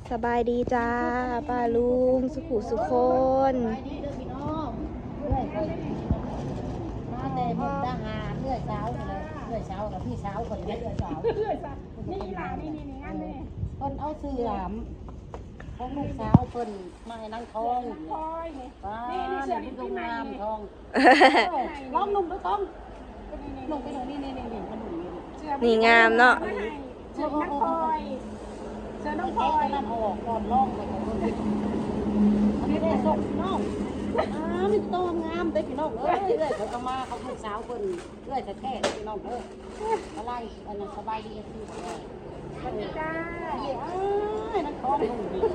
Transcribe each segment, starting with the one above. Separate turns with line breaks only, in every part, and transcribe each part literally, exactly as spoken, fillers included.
สบายดีจ้าป้าลุงสุขุสุคน
ไปดีเด้อพี่น้องเรื่อยไปมาแต่มุกดาหารเรื่อยเช้าเลยเรื่อยเช้ากับพี่เช้าคนเรื่อยเช้า
เรื่อยสักนี่ล่ะนี่นี่นี่อันนี้
เพิ่นเอาเสื่อมของลูกสาวเพิ่นมาให้นั่งทอง
คอยนี่
ป้า
นี่นี่เสื้อ
นี่
นี่
ดู
ปีใหม่
งาม
นี่
ทองลองนุ่มด้วยต้องนุ่มไปตรงนี้นี่นี่นี่มันนุ่มนี่
นี่งามเนาะ
เสื้อน้องพลอยเสื้อน้องพล
แค่
อย
นั้นออกก่อนล่องไปของเพิ่นอันนี้ได้ส่งน้องอ้ามีต้นงามได้พี่น้องเอ้ยเรื่อยเขาก็มาเขาลูกสาวเพิ่นเรื่อยแท้ๆพี่น้องเด้ออะไรอันนั้นสบายดีคือ
สวัสดีจ้า
เอ้ยนักท้องนุ่มดี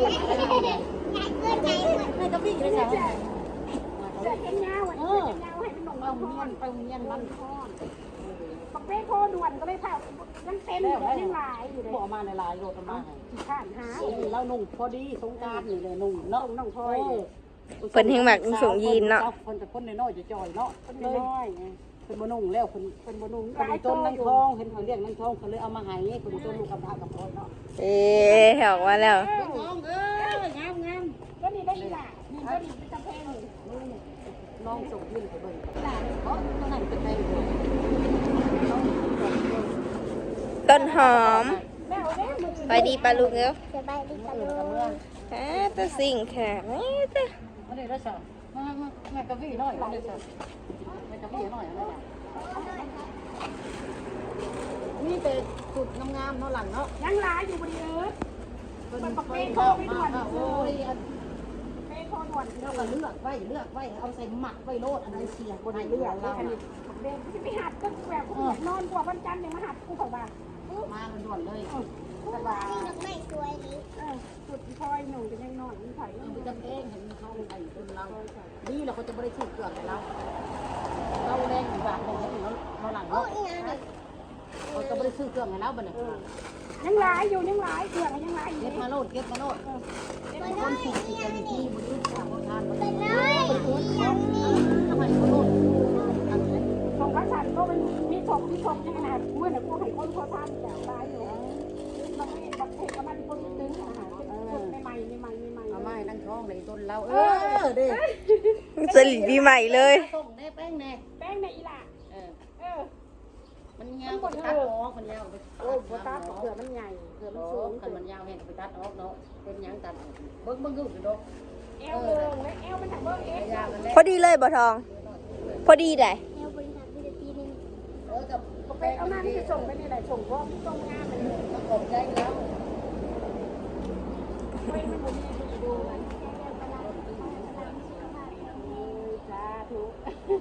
ให้กับพี่เลยจ้ะ
เสื้อแขนยาวอ่ะเสื้อแขนยาวให้เป็นหนุ่ม
ไป
เอา
โรงเรียนไปโรงเรียนมัน
ปักเป้โคด่วนก็เลยเผายังเต็มอยู่เลยยังหลายอยู่เลย
บอกมาในลายโรดมา
ขี้ข้านหา
แล้วนุ่งพอดีสงการนี่เลยนุ่งเนาะ
ส่งน้องพลอย
เพิ่นแห่งมักส่งยีนเนาะ
เพิ่นแต่คนน้อยๆจ่อยๆเนาะ
เป็นน้อยไง
เพิ่นบ่นุ่งแล้วเพิ่น
เป็นบนุง
เพิ่นต้นนั่งทองเห็นเขาเรียกนั่งทองเขาเลยเอามาให้เพิ่นต้นลูกกำพร้ากับพ่อเนาะ
เอ๊ะออกมาแล้ว
ทองเอ้ยงามงาม
ก็นี่ได้อีหล่ะนี่ก็นี่เป็นตะเพง
น้องส่งยื่นไปเบิ่งหลานเพราะตัวนั้นเป็นไปอยู่
ต้นหอม
แม่เอาเด้มือ
ไปดีป้าลุงเอ้อ
สบายดี
เมื่
จ้ะ
อกับเมื่อ
ฮะแตะสิ่งแค่นี้ตะ
มาเลยแล้วจ้ะมามาแม่กะวี่น้อยมาเลยจ้ะแม่กะวี่น้อยอะไรจ้ะนี่เป็นสุดงามๆเนาะหลังเนาะ
ยังหลายอยู่บริเอิร์ด
เป็นปักเป้โคไปด่วนโอ้ย
เป้โคด่วน
เราก็เลือกไว้เลือกไว้เอาใส่หมักไว้โลดอันไหนเสียบนไหน
เลื
เลื
อ
อก ก
เล
เรา
ยอันนี้เด็กที่ไม่หัดก็แบบเขาอยากนอนกว่าวันจันทร์ยังมาหัดกูเขาบ้า
มาด่วนเลย
สบายไม่สวยเลยเออสุดพลอยหนูจะยังนอนมีไผ่
มันจะเองเห็นเขาไปคนเราดีเราเขาจะไม่ได้ถูกเกลือเราเราแรงแบบแรงเราเราหลังเนาะเขาจะไม่ได้ซื้อเครื่องให้เราบ้านเนี่ย
ยังหลายอยู่ยังหลายเกลือยังหลายอยู่
เก็บมาโลดเก็บมาโลดคนสี่สิบนาทีบนยุทธศาสตร์ทานมัน
เป็นเลยยังมี
ทำไมเขาโลด
ของพระสันก็มันมีชมมีชมยังขนาดเมื่อไหร่กูให้คนเขาทำแต่ตายอยู่มันไม่บักเทก็มันคนตึงอาหารคนไม่ใหม่ไม่ใหม่ไม่ใหม่
เอาไม้นั่งท้องในต้นเราเออเด้
สลิดปีใหม่เลย
ส่งแน่แป้งแน่
แป้งในอีหล่ะ
เออ
เออ
มันยาวไปตัดออกมันยาวไป
โอ้โหตาเกลือมันใหญ่เกลือมันสูง
กันมันยาวแห้งไปตัดออกเนาะเป็นยังตัดเบิ้งเบิ้งอยู่เนาะ
เอวลงและเอวมันถักเบิ้งเอฟ
ยาวมันแล้
พอดีเลยบ่ทอง พอดีได้
เอวบริษัทวินาทีนึง
เออกับ
ก็ไปเอาหน้าที่จะส่งไปนี่แหละส่งเพราะตรงงานมันเลย
มันกบใจแล้ว
ไม่มันบ่มีที่ดูมันจ้าทุก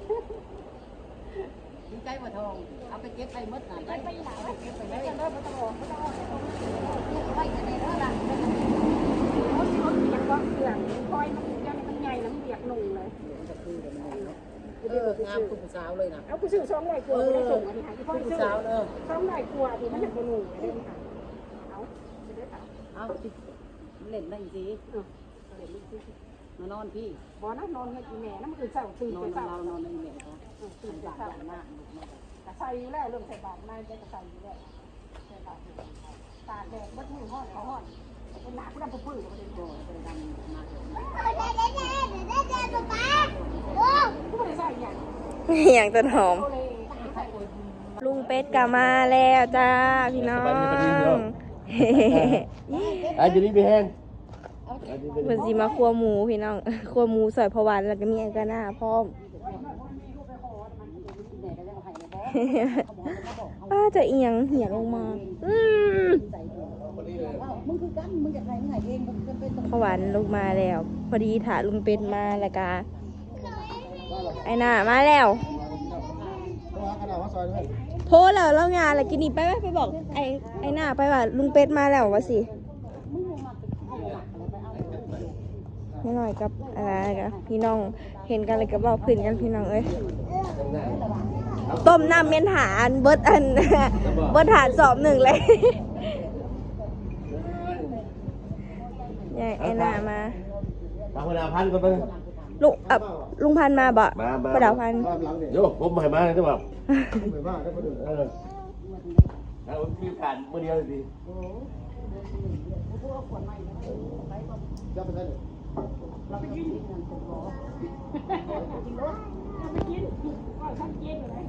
ดีใจว่าทองเอาไปเก็บไปมดหน่อย
ไปไปหลาย
เก็บไป
ไป
เลย
กันเด้อไม่ต้องบอกไม่ต้องบอก
ไว้ในเรื่องละ
รถรถเบียกก็เกลือคอยมันยังมันใหญ่น้ำเบียกหนุ่งเลย
เอองามคุณสาวเลยนะ
เอากูซื้อสองร้อยกว่าไม่ได้ส่งอันนี้ค่ะที่พ่อ
คุณ
ซื้อ
สาวเนอะ
สองร้อยกว่าที่มันเป็นหนุ่งเลยค่ะเอาจะได้ค่ะ
เอาเล่นได้สิมานอนพี่
บอนะนอนให้กินแม่น้ำคือเศร้าตื่น
นอ
ไป
น
เศร้า
เรานอนในเมียเขา
ตื่นไป
บาด
เศร้า
อย่างมาก
กระใส่อยู่แล้วเรื่องใส่บาตรนายจะกระใส่อยู่แล้วใส่บาตรตาแดดบัดมือห้อนเขาห้อนเป็นหนาผู้ดำผู้ปื้อประเด็น
โอ้ยเป็นดำมากเลย
ผู้ไม่ได้ใส่อย่าง
อย่างต้นหอม
โอเลย
ลุงเป็ดกลับมาแล้วจ้าพี่น้อง
อาจจะนี่ไปแห้ง
เพิ่นสิมาครัวหมูพี่น้องครัวหมูซอยพะวันแล้วก็มีอันกะหน้าพร้อม ป้าจะเอียงเหี่ยลงมา อืม
มึงคือกันมึงอยากไหนมึงไหนเองมึงจะเป็นต
พะวันลงมาแล้ว พอดีถาลุงเป็ดมาแล้วก็ไอ้หน้ามาแล้วโทรแล้วแล้วงานอะไรกินนี่ไปไหมไปบอกไอ้ไอ้หน้าไปว่าลุงเป็ดมาแล้ววะสิไม่หน่อยกับอะไรกันพี่น้องเห็นกันเลยก็บอกพื้นกันพี่น้องเอ้ยต้มน้ำเมียนหาอันเบิดอัน เบิดหาสอบหนึ่งเลยยายไอ้หน้ามา
มาพนาพันกันไป
ลุงอ่ะลุงพันธุ์มาบ่
มามา
ประดาวพันธุ์
โยผมใหม่มาเลยใช่ป่ะเออแล้วมีผ่านเมื่อเดียวดี
ผ
ขวดใหม่นะไปก่อน
จะไปไหน
เราไปกินกันผมรอจริงด้วยเราไปกินก็ทำเย็นอยู่ไหน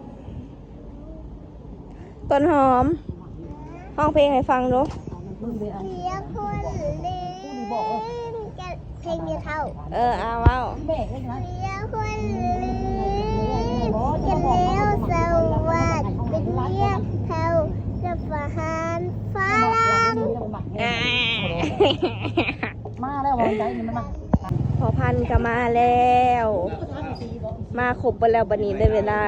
ต้นหอมห้องเพลงให้ฟังดู
มึงไปเอา
เลี้ยงคนเล่นจะเพลงจะเท่า
เออเอาเอา
แบกเลยนะ
เลี้ยงคนเล่นจะแล้วสวัสดิ์เป็นเลี้ยงเท่าจะประหารฟ้าลัง
อ่า
มาแล้ววันใจนี่มันมา
พอพันธุ์ก็มาแล้ว มาครบไปแล้วบันนี้ได้เวลา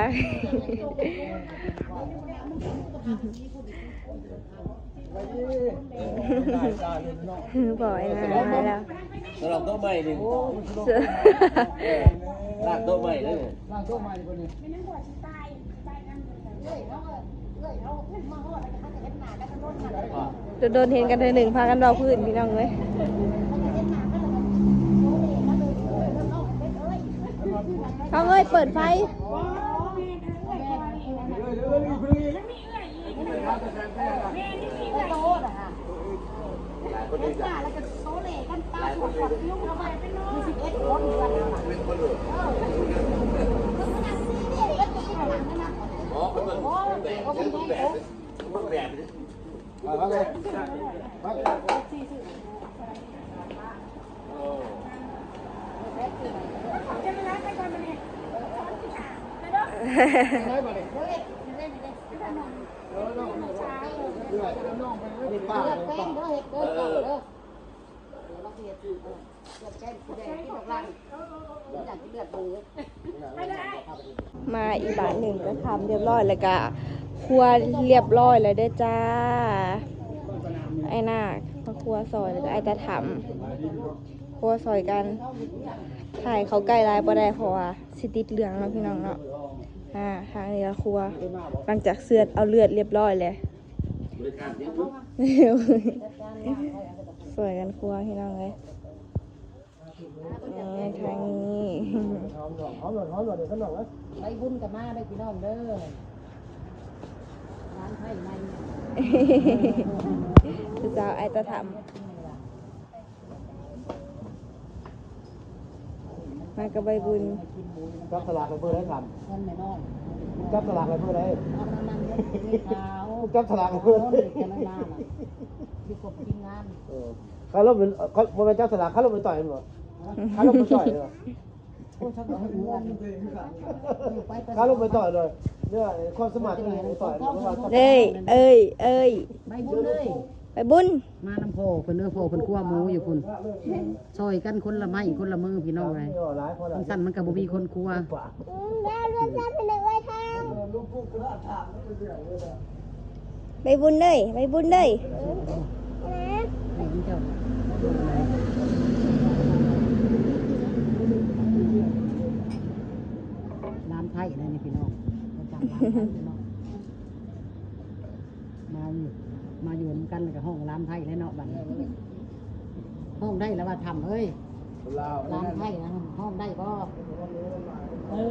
บ่อยนะมาแล้ว
สำหรับโต๊ะใหม่นี่
เสือ
ลากโต๊ะใหม่เลย
ล่างโต๊ะใหม่คนนี้
ไม่นั่งหัวชิตายตายกัน
เฮ้ยเขาเฮ้ยเขามาฮอดแล้วเขาจะเห็นหน้าแล้วก็โดนมาเลย
จะโดนเห็นกันเธอหนึ่งพากันเบาพื้นพี่น้องเลยเขาเอ้ยเปิดไฟ
โต๊ะนะคะป้าแล้วก็โต๊ะเล่กันป้าขวดขวดยุ่งเข้าไปเป็นน้องมีสิบเอ็ดคนอยู่กันแล้วล่ะเป็นคนเลยเออขนาดสี่สิบเอ็ดคนที่หลังนั่นนะโอ้โหโอ้โหเป็นแบกเป็นแบก
มาเลยมาเลย
ได้บ่เลย
นี่ป้า
เลือดแป้งเด้อเห็ดเด้อเก่าเด้อเดี๋ยวเราเสียเลือดแป้งสีแดงที่ดอกลังอย่างที่เลือดเบือ
มาอีกบาทหนึ่งก็ทำเรียบร้อยแล้วก็ครัวเรียบร้อยแล้วเด้อจ้า ไอ้นาคมาครัวซอยแล้วก็ไอ้ตาถำครัวซอยกันถ่ายเขาใกล้ลายบ่ได้เพราะว่าสิติดเหลืองเนาะพี่น้องเนาะอ่าทางนี้ละครัวหลังจากเสือดเอาเลือดเรียบร้อยเลยสวยกันครัวพี่น้องเลยนี่ทางนี้
หอมหน่อยหอมหน่อยหอมหน่อยเดี๋ยวขนมนะ
ไปบุญกับมาได้พี่น้องเด้อร้านไทยใน
คือสาวไอ้ตาถำมากับใบบุญ
จับสลากไปเพื่อได้ท
เงินแม่น้อง
ำจับสลากไปเพื่อได้
เอาน้ำมันเยอะสีขาว
จับสลากไปเพื่อ
โน้น
ได้
เด็กจะไม่นานอ่ะอยู่กับทีมงาน
เออเขาลบเป็นเขาบนเป็นจับสลากเขาลบเป็นต่อยมั้งเขาลบเป็นต่อยเลย
โอ้ชอบเหมือนอยู่ไปไป
เขาลบเป็นต่อยเลยเนี่ยความสมัครเลยต่อย
เอ้ยเอ้ยเอ้ย
ใบบุญเลย
ไปบุญ
มาน้ำโพเพิ่นเนื้อโพเพิ่นคั่วหมูอยู่พุ่นซอยกันคนละไม้คนละมือพี่น้องเลยคนสั่นมันก็บ่มีคนคั่ว
แล้วรวมชาติเป็นไว้ทาง
ไปบุญเลยไปบุญเลย
ให้มันเจ้าร้านไทยนะนี่พี่น้องมาจากร้านไทยพี่น้องมาอยู่มาอยู่นำกันกับห้องร้านไทยแล้วเนาะบัดนี้ห้องได้แล้วว่าทำเอ้ยร้านไทยนะห้องได้บ่เออ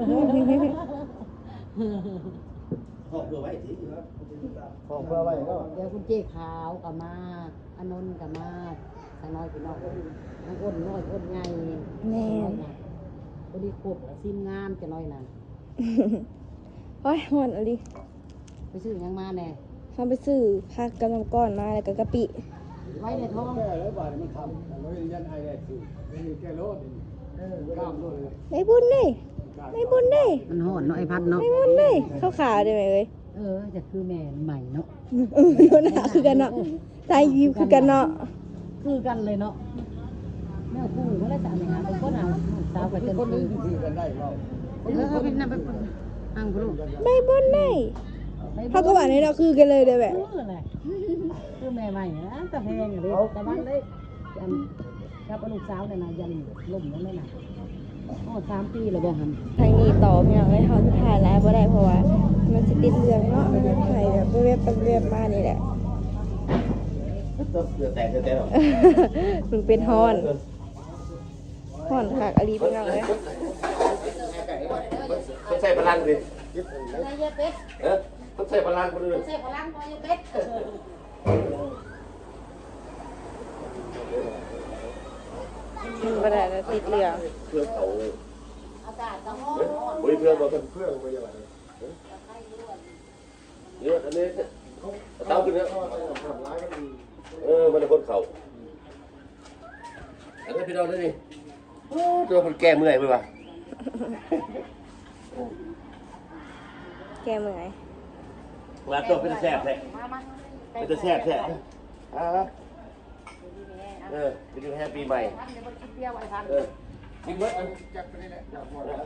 ของเพื่อไว้ที่ของเพื่อไว้ก็
เดี๋ยวคุณเจ๊ขาวกับมาอานนท์กับมาทางน้อยพี่น้องทางอ้นน้อยอ้นใหญ่
แม่
พอดีครบซิมงามจะน้อยน่ะ
โอ้ยหมดอะไร
ไปซื้อหยังมาแน่
เขาไปซื้อผักกำลังก้อนมาแล้วก็กะปิ
ไว้ในท้อง
แก้ร้อยบาทมันทำร้อยยันไอแดดสิมีแก้รถเออกล้ามด้วยเลย
ไปบุญเลยไปบุญเลย
มันห่อนเนาะไอ้พัดเนาะ
ไปบุญเลยข้าวขาวได้ไหมเอ้ย
เออจะคือแม่ใหม่เนาะ
เออโดนหาคือกันเนาะตายยิวคือกันเนาะ
คือกันเลยเนาะแม่คู่เขาได้สามอย่างเป็นคนเอาสาวกับเจ้าคือ
คือกันได้เรา
เออเขาเป็นนั่นเป็นอังพลูก
ไปบุญเลยเขาก็ว่าในเราคือกันเลยเด้อแบบ
คืออะไรคือแม่ใหม่นะแต่แพงเลยแต่วันเลยยันกับลูกสาวเนี่ยนะยันล่มแล้วเลยนะอ๋อสามปีแล้วบ่หัน
ทางนี้ต่อพี่น้องให้เขาจะถ่ายไลฟ์บ่ได้เพราะว่ามันสิติดเรื่องเนาะถ่ายแบบเว็บๆเว็บๆมานี่แหละ
เดือดแตกเดือดแตกหรอ
มันเป็นฮอนฮอนคักอลีพี่น้องเลย
ต้องใส่พลังดิ
นายเป็ด
เออต้องใส่พลังคนอื่น
ใส่พลังนายเป็ด
บ่ได้แล้วติดเหลือง
เพื่อนเขา
อากาศจะร้อน
เฮ้ยเพื่อนเราเป็นเพื่อนไปยังไงเยอะอันนี้เต้าขึ้นแล้วเออมันเป็นคนเขาอันนี้พี่น้องนี่ตัวคนแก่เมื่อยไหมวะ
แกเมื่อย
มาตัวเป็นแซ่บแท้
มามา
เป็นแซ่บแท้อ่าเออไปดูแฮปปี้ใหม่
ทันเดี๋ยวมันคิดเดียวไอ้ทัน
เออกินเบิดอัน
จับไปนี่แหละจับหมด
เอา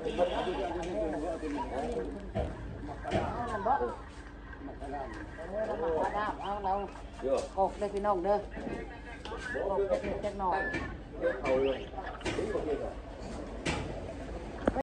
นั่นบ่เออเรามาว่าดาบเอาเรา
เยอะ
กอกเลยพี่น้องเด้อ กอกจะเผ็ดจักหน่อย
เอาเลย